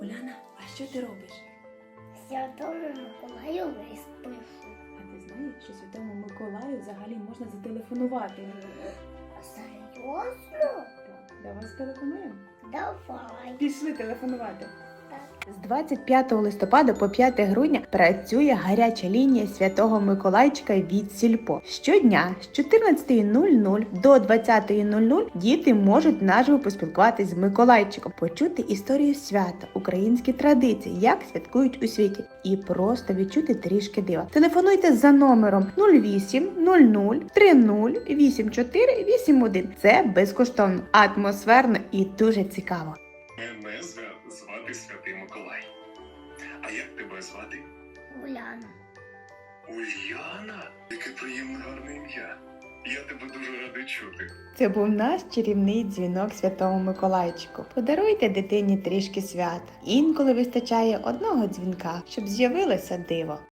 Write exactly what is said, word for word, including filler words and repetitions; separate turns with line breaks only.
Уляна, а що ти робиш?
Святому Миколаю лист пишу.
А ти знаєш, що Святому Миколаю взагалі можна зателефонувати?
Серйозно?
Так, давай зателефонуємо.
Давай.
Пішли телефонувати.
Так.
З двадцять п'ятого листопада по п'яте грудня працює гаряча лінія Святого Миколайчика від Сільпо. Щодня з чотирнадцятої нуль нуль до двадцятої нуль нуль діти можуть наживо поспілкуватись з Миколайчиком, почути історію свята, українські традиції, як святкують у світі, і просто відчути трішки дива. Телефонуйте за номером нуль вісім нуль нуль три нуль вісім чотири вісім один. Це безкоштовно, атмосферно і дуже цікаво.
Мене зва- звати Святий Миколай. А як тебе звати?
Уляна.
Ульяна? Яке приємне гарне ім'я. Я тебе дуже радий чути.
Це був наш чарівний дзвінок Святому Миколайчику. Подаруйте дитині трішки свята. Інколи вистачає одного дзвінка, щоб з'явилося диво.